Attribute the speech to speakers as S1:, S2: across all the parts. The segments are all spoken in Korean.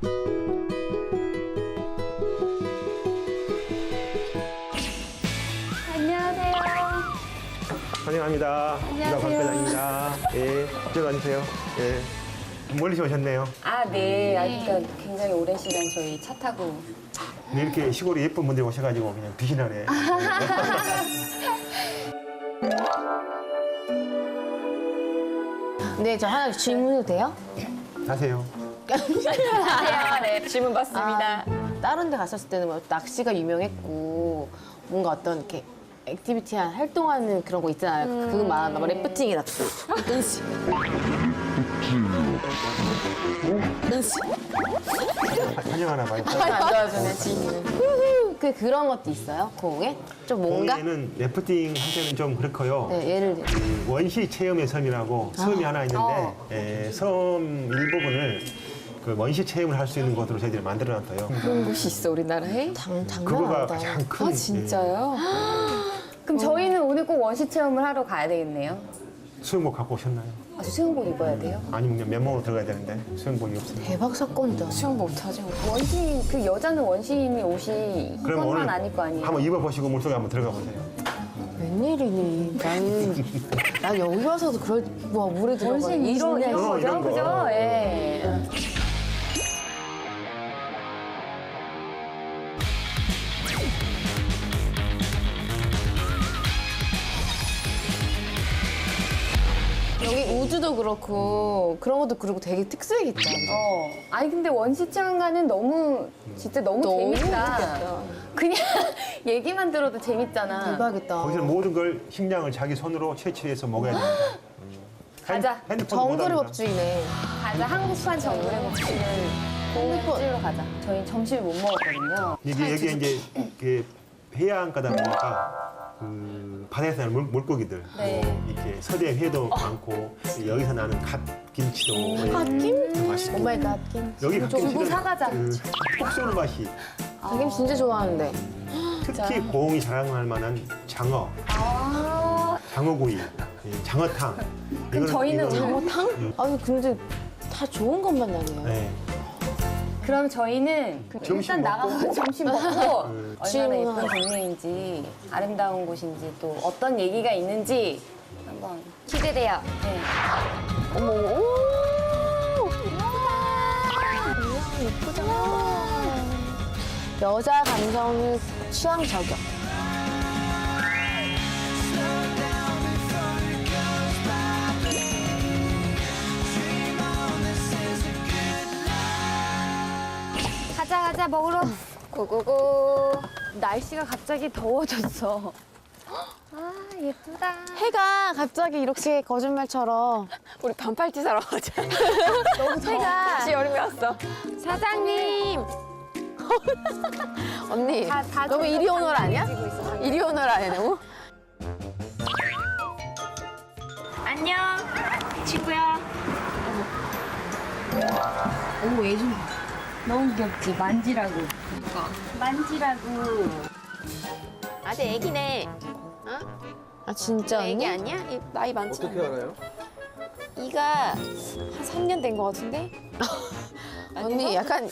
S1: 안녕하세요.
S2: 환영합니다.
S1: 안녕하세요.
S2: 박 과장입니다. 예, 이쪽으로 앉으세요. 예, 멀리서 오셨네요.
S1: 아, 네. 그러니까 굉장히 오랜 시간 저희 차 타고.
S2: 근데 이렇게 시골에 예쁜 분들이 오셔가지고 그냥 빛이 나네.
S3: 네, 저 하나 질문해도 돼요?
S2: 하세요.
S1: 안녕하세요. 네, 질문 받습니다.
S3: 다른 데 갔었을 때는 뭐 낚시가 유명했고 뭔가 어떤 이렇게 액티비티한 활동하는 그런 거 있잖아요. 그거 말하나 봐. 래프팅이다. 끈씨. 끈씨.
S2: 환영하나 봐요.
S3: 안 도와주네, 지인은. 그런 것도 있어요? 고흥에? 좀 뭔가?
S2: 거기에는 래프팅 할 때는 좀 그렇고요.
S3: 네, 예를 들어.
S2: 그 원시 체험의 섬이라고 섬이 하나 있는데 예, 섬 일부분을 그 원시 체험을 할 수 있는 곳으로 저희들이 만들어놨어요.
S1: 그런 곳이 있어, 우리나라에?
S3: 장난
S2: 그거가
S3: 아니다.
S2: 가장 큰.
S1: 아, 진짜요? 그럼 저희는 오늘 꼭 원시 체험을 하러 가야 되겠네요.
S2: 수영복 갖고 오셨나요?
S1: 아, 수영복 입어야 돼요?
S2: 아니면 그냥 맨몸으로 들어가야 되는데 수영복이 없습니다.
S3: 대박 사건이다.
S1: 수영복 어떡하지? 원시인, 그 여자는 원시인이 옷이
S2: 그럼
S1: 이것만
S2: 오늘
S1: 아닐 거 아니에요?
S2: 한번 입어보시고 물속에 한번 들어가 보세요.
S3: 웬일이니? 난 여기 와서도 그럴, 와, 물에 들어가.
S1: 원시인 이런 거죠?
S2: 이런 거.
S1: 그죠? 예.
S3: 여기 우주도 그렇고 그런 것도 그렇고 되게 특수하겠다.
S1: 아니 근데 원시 체험관은 너무 진짜 너무 재밌다.
S3: 재밌겠다.
S1: 그냥 얘기만 들어도 재밌잖아.
S3: 대박이다.
S2: 거기서는 모든 걸 식량을 자기 손으로 채취해서 먹어야 됩니다.
S1: 가자.
S2: 핸드폰
S3: 정글의 법주의네.
S1: 가자. 한국판 정글의 법칙은 고깃집으로 가자. 저희 점심을 못 먹었거든요.
S2: 이게 여기 이제 그 해안가다 보니까 그 바다에서 나는 물고기들,
S1: 네.
S2: 뭐 이렇게 서대 회도 많고 여기서 나는 갓김치도
S3: 갓김?
S2: 맛있고
S3: 오마이 갓김.
S2: 여기 갓김치는
S1: 사가자.
S2: 톡 쏘는 맛이
S3: 갓김 진짜 좋아하는데.
S2: 특히 고흥이 자랑할 만한 장어, 장어구이, 예, 장어탕.
S1: 그럼 저희는
S3: 장어탕? 아니 근데 다 좋은 것만 나네요.
S2: 네.
S1: 그럼 저희는
S2: 점심
S1: 일단
S2: 먹고?
S1: 나가서 점심 먹고 얼마나
S3: 질문하고.
S1: 예쁜 동네인지 아름다운 곳인지 또 어떤 얘기가 있는지 한번 기대돼요. 네.
S3: 어머, 오! 예쁘다. 여자 감성을 취향 저격.
S1: 가자 먹으러 고고고. 날씨가 갑자기 더워졌어. 아 예쁘다.
S3: 해가 갑자기 이렇게 거짓말처럼.
S1: 우리 반팔티 사러 가자.
S3: 너무 해가.
S1: 다시 여름이 왔어. 사장님.
S3: 언니,
S1: 다
S3: 너무 이리 오너라 아니야?
S1: 가지고 있어.
S3: 이리 오너라 아니야, 너무?
S1: 안녕 친구야.
S3: 어머, 얘 좀.
S1: 너무 귀엽지? 만지라고. 만지라고.
S4: 아직 애기네.
S3: 아, 진짜 언니?
S4: 애기 아니야? 나이 많지 않아.
S5: 어떻게 알아요?
S4: 이가 한 3년 된 것 같은데?
S3: 언니 약간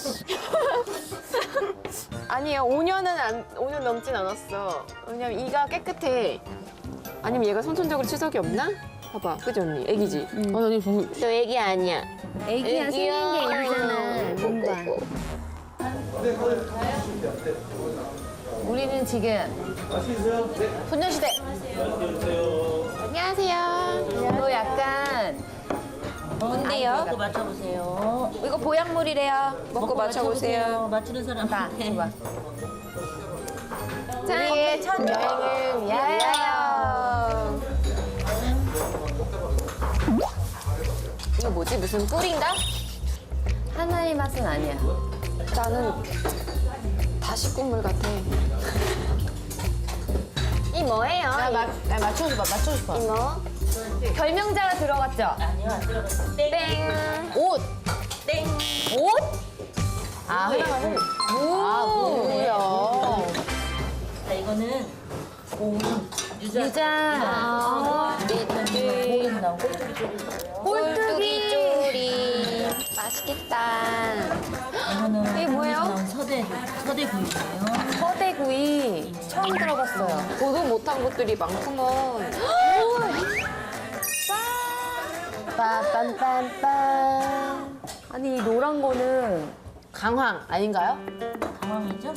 S4: 아니야, 5년 넘진 않았어. 왜냐면 이가 깨끗해. 아니면 얘가 선천적으로 치석이 없나? 봐봐, 그지 언니? 애기지?
S3: 언니 보고
S4: 너 애기 아니야.
S1: 애기야 생긴 게 애기잖아. 뭔가. 우리는 지금
S3: 소녀시대.
S4: 안녕하세요.
S1: 너 약간
S4: 뭔데요?
S6: 먹고 맞춰보세요.
S4: 이거 보약물이래요. 먹고 맞춰보세요.
S6: 맞추는 사람.
S1: 나 줘봐.
S3: 우리의 첫 여행을 위하여.
S4: 이거 뭐지? 무슨 꿀인가?
S1: 하나의 맛은 아니야.
S4: 나는 다시 국물 같아. 이 뭐예요?
S3: 나 맞춰줘봐, 맞춰줘봐.
S4: 이거
S1: 결명자가 들어갔죠?
S6: 아니요, 안 들어갔어요. 땡.
S4: 땡.
S3: 옷!
S6: 땡.
S1: 옷?
S3: 아, 하나만 아, 뭐야.
S6: 자, 이거는 공, 유자.
S1: 유자.
S6: 고인 나온 꼴뚜기 쪽이에요.
S4: 꼴뚜기 쪼리. 맛있겠다.
S6: 서대구이예요.
S1: 서대구이 처음 들어봤어요.
S4: 보도 못한 것들이 많구먼.
S3: 빰빰빰빰.
S1: 아니 이 노란 거는
S3: 강황 아닌가요?
S6: 강황이죠?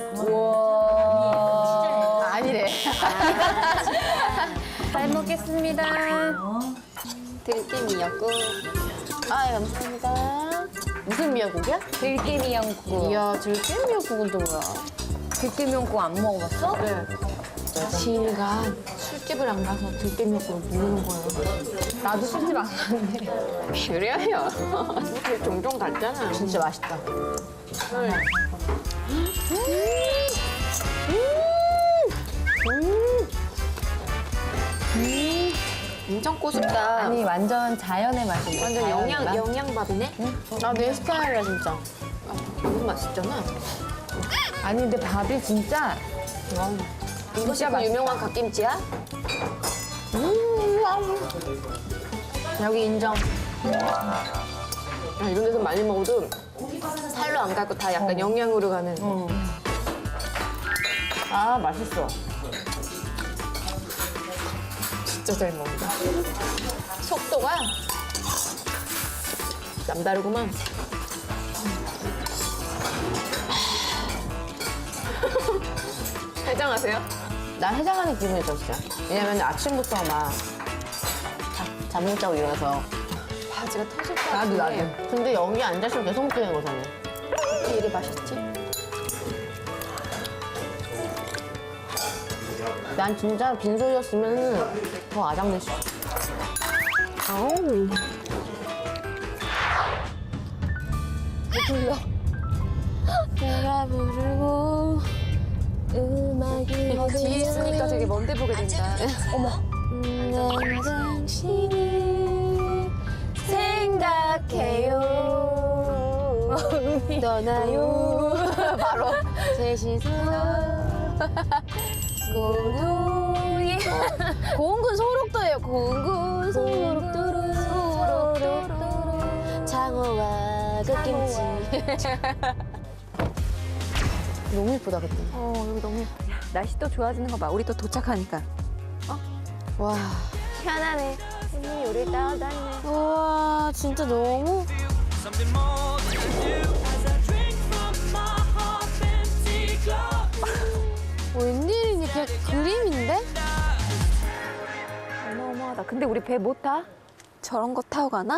S1: 우와.
S3: 아니래.
S1: 잘 먹겠습니다.
S4: 들깨 미역국.
S3: 아, 감사합니다. 무슨 미역국이야?
S1: 들깨미역국.
S3: 이야, 들깨 미역국은 또 뭐야?
S1: 들깨미역국 안 먹어봤어?
S4: 네.
S3: 지인이가 술집을 안 가서 들깨 미역국을 모르는 거예요.
S1: 나도 술집 안 가는데.
S4: 그래요. 종종 갔잖아.
S3: 진짜 맛있다.
S4: 엄청 꼬숩다.
S1: 아니 완전 자연의 맛인데.
S4: 완전
S1: 자연의 맛?
S4: 영양밥이네.
S3: 아, 내 스타일이야, 진짜.
S4: 너무 맛있잖아.
S1: 아니 근데 밥이 진짜
S4: 이것이 그
S1: 맛있다.
S4: 유명한 갓김치야?
S3: 여기 인정.
S4: 이런 데서 많이 먹어도 살로 안 가고 다 약간 영양으로 가는.
S3: 아, 맛있어.
S4: 진짜 잘 먹는다. 속도가 남다르구만. 해장하세요?
S3: 나 해장하는 기분이 들었어. 왜냐면 아침부터 막 잠 못 자고 일어나서.
S4: 바지가 터질 것
S3: 나도,
S4: 같은데.
S3: 나도. 근데 여기 앉아있으면 계속 먹게 되는 거잖아.
S4: 어떻게 이리 맛있지?
S3: 난 진짜 빈소였으면 더 아장됐어.
S4: 아우.
S3: 내가 부르고 음악이
S4: 뒤에 있으니까 되게 먼데 보게 된다.
S3: 난 당신을 생각해요. 떠나요. 바로 셋이서 고도에 고운군 소록도예요. 고운군 소록도로 장어와 갓김치. 너무 예쁘다 그때.
S4: 여기 너무 날씨 또 좋아지는 거 봐. 우리 또 도착하니까.
S3: 와.
S4: 편하네. 언니 요리 따라다니네.
S3: 우와 진짜 너무. 웬일이니 그냥 그림인데?
S4: 어마어마하다. 근데 우리 배 못 타? 저런 거 타고 가나?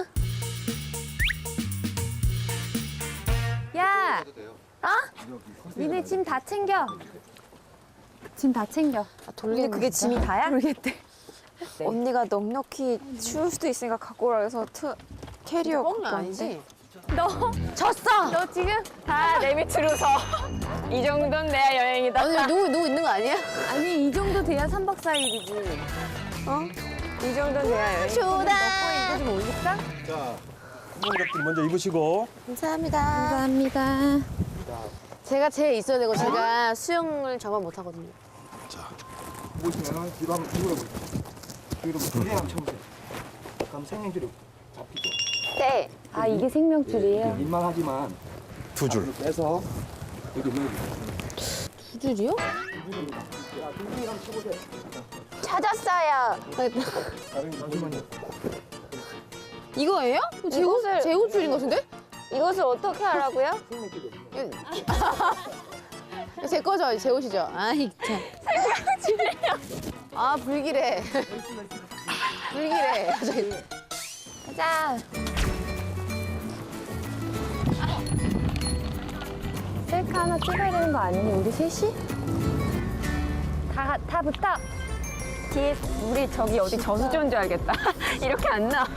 S1: 야! 니네 짐 다 챙겨. 짐 다 챙겨.
S4: 근데 그게 짐이 다야? 모르겠대. 언니가 넉넉히 추울 수도 있으니까 갖고 오라 해서 캐리어 갖고
S3: 뻥은
S4: 왔는데.
S3: 아니지?
S1: 너 졌어. 너 지금
S4: 다 내 밑으로 서. 이 정도는 내야 여행이다.
S3: 아니 누구 있는 거 아니야?
S1: 아니 이 정도 돼야 3박 4일이지.
S4: 이 정도는 내야 여행.
S3: 좋다.
S1: 이거 좀 올릴까?
S2: 자, 부모님들 먼저 입으시고.
S3: 감사합니다.
S1: 감사합니다.
S3: 제가 제일 있어야 되고 제가 수영을 저만 못 하거든요.
S5: 보시면은 뒤로 한번 뒤돌아보세요. 뒤로 뒤에 한번 쳐보세요. 그럼 생명줄이 잡히죠.
S4: 네.
S1: 아 이게 생명줄이에요?
S5: 민망하지만
S2: 두 줄.
S5: 앞으로 빼서 여기 넣어주세요.
S3: 두 줄이요?
S4: 찾았어요.
S5: 잠시만요.
S3: 이거예요?
S4: 이것을-
S3: 제옷 줄인 것 같은데?
S4: 이것을 어떻게 하라고요?
S3: 제 거죠? 제 옷이죠? 아이 참. 아 불길해. 불길해.
S1: 가자. 셀카 하나 찍어야 되는 거 아니니? 우리 셋이? 다 붙어.
S4: 뒤에 우리 저기 어디 저수지 온 줄 알겠다. 이렇게 안 나.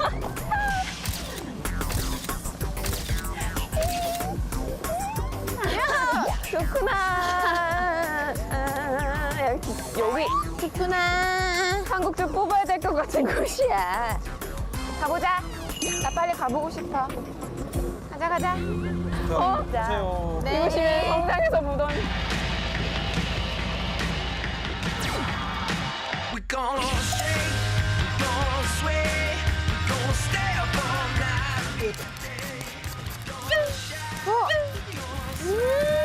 S4: 좋구나. 여기
S3: 좋구나.
S4: 한국 좀 뽑아야 될 것 같은 곳이야. 가보자. 나 빨리 가보고 싶어. 가자.
S2: 보세요.
S4: 이곳이 성당에서 보던.
S7: We gonna shake, we gonna sway, we gonna stay up all night.